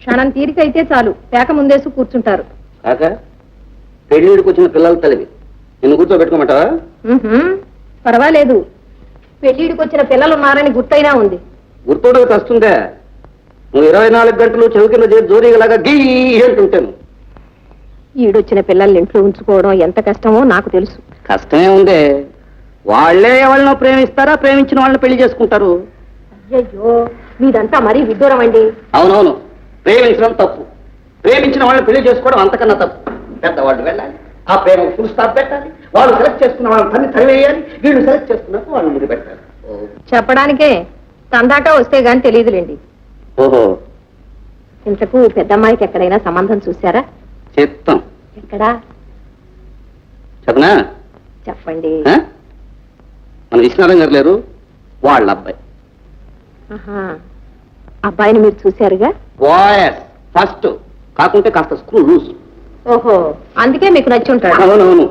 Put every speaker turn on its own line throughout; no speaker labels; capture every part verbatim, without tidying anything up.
క్షణం తీరికైతే చాలు పేక ముందేసి కూర్చుంటారు.
కాక పెళ్లిడికి వచ్చిన పిల్లల తల్లివి, నిన్ను కూర్చోబెట్టుకోమంటావా?
పర్వాలేదు, పెళ్లిడికి వచ్చిన పిల్లలు ఉన్నారని గుర్తైనా ఉంది.
గుర్తోడకి వస్తుందే, నువ్వు ఇరవై నాలుగు గంటలు చెవి కింద చేరి జోరీగలాగా గీ అంటుంటాను.
ఈడొచ్చిన పిల్లల్ని ఇంట్లో ఉంచుకోవడం ఎంత కష్టమో నాకు తెలుసు.
కష్టమే ఉందే, వాళ్లే ఎవరినో ప్రేమిస్తారా, ప్రేమించిన వాళ్ళని పెళ్లి చేసుకుంటారు.
అయ్యో మీదంతా మరీ విడ్డూరం అండి.
అవునవును, ప్రేమించడం తప్పు, ప్రేమించిన వాళ్ళని పెళ్లి చేసుకోవడం అంతకన్నా తప్పు. పెద్దవాళ్ళు వెళ్ళాలి, ఆ ప్రేమ ఫుల్ స్టాప్ పెట్టాలి, వాళ్ళు సెలెక్ట్ చేసుకున్న వాళ్ళని తన్ని తరివేయాలి, వీళ్ళు సెలెక్ట్ చేసుకున్నట్టు వాళ్ళు ముందు పెట్టాలి.
చెప్పడానికే తందాకా వస్తే గాని తెలియదులేండి.
ఓహో,
ఇంతకు పెద్దమ్మాయికి ఎక్కడైనా సంబంధం చూశారా?
చెప్తాం.
ఎక్కడా
చెప్పనా?
చెప్పండి.
మన విశ్వనాథం గారు లేరు, వాళ్ళ అబ్బాయి.
ఆహా, అబ్బాయిని మీరు చూశారుగా?
వాయస్ ఫస్ట్, కాకుంటే కాస్త స్క్రూ లూజ్.
ఓహో, అందుకే మీకు నచ్చి ఉంటాడు.
అవునవును.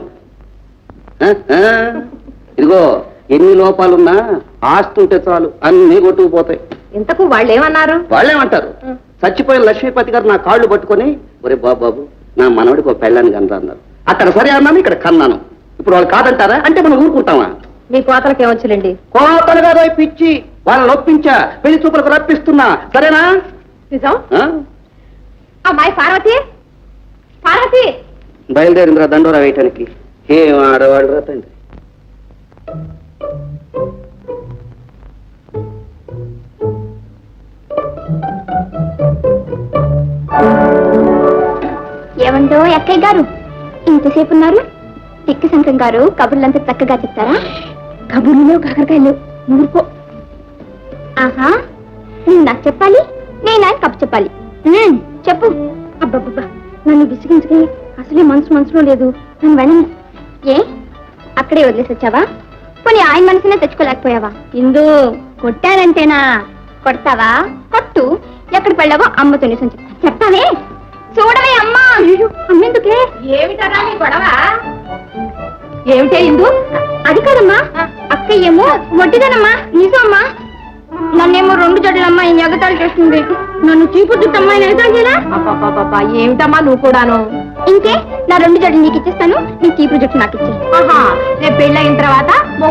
ఇదిగో, ఎన్ని లోపాలున్నా ఆస్తి ఉంటే చాలు, అన్ని కొట్టుకుపోతాయి.
ఇంతకు వాళ్ళు ఏమన్నారు?
వాళ్ళేమంటారు, చచ్చిపోయిన లక్ష్మీపతి గారు నా కాళ్ళు పట్టుకొని, ఒరే బాబు నా మనవడికి ఒక పెళ్ళాన్ని కనరా అన్నారు. అక్కడ సరే అన్నాను, ఇక్కడ కన్నాను. ఇప్పుడు వాళ్ళు కాదంటారా అంటే మనం ఊరుకుంటామా?
మీ కోతలకి ఏమొచ్చులేండి.
కోతలు కాదు, పిచ్చి, వాళ్ళని ఒప్పించా, పెళ్లి చూపులకు రప్పిస్తున్నా. సరేనా?
నిజం. అమ్మాయి పార్వతి, పార్వతి
బయలుదేరిందిరా దండోరా వేయటానికి. ఏం ఆడవాళ్ళు రా తండ్రి.
ఏమండో అక్కయ్య గారు, ఇంతసేపు ఉన్నారు? తిక్కి శంకరం గారు కబుర్లంతా చక్కగా చెప్తారా? కబుర్లో కాకరకాయలు ఊరుకో. ఆహా, నేను నాకు చెప్పాలి, నేను ఆయన కప్పు చెప్పాలి. చెప్పు. అబ్బబ్బబ్బా, నన్ను విసిగించుకి అసలే మనసు మనసులో లేదు. నన్ను వెళ్ళని. ఏ అక్కడే వదిలేసి వచ్చావా? పోనీ ఆయన మనసునే తెచ్చుకోలేకపోయావా? ఇందు కొట్టానంటేనా? కొడతావా? కొట్టు. ఎక్కడ పెళ్ళావో అమ్మతో నిజం చెప్తా. చెప్తావే? చూడవే అమ్మా. అమ్మెందుకే?
ఏమిటరా నీ గొడవ? ఏమిటే ఇందు?
అది కాదమ్మా, అక్కయ్యేమో వడ్డీదనమ్మా. నిజమ్మా, నన్నేమో రెండు జడ్లమ్మా ఈ ఎగతాళి చేస్తుంది. నన్ను చీపు చుట్టమ్మా ఎగతాళి చేయరా?
అబ్బబ్బబ్బా, ఏమిటమ్మా నువ్వు కూడాను?
ఇంకే, నా రెండు జడ్లు నీకు ఇచ్చేస్తాను, నీ చీపు జుట్టు నాకు ఇచ్చే.
ఆహా, రేపు పెళ్ళయిన తర్వాత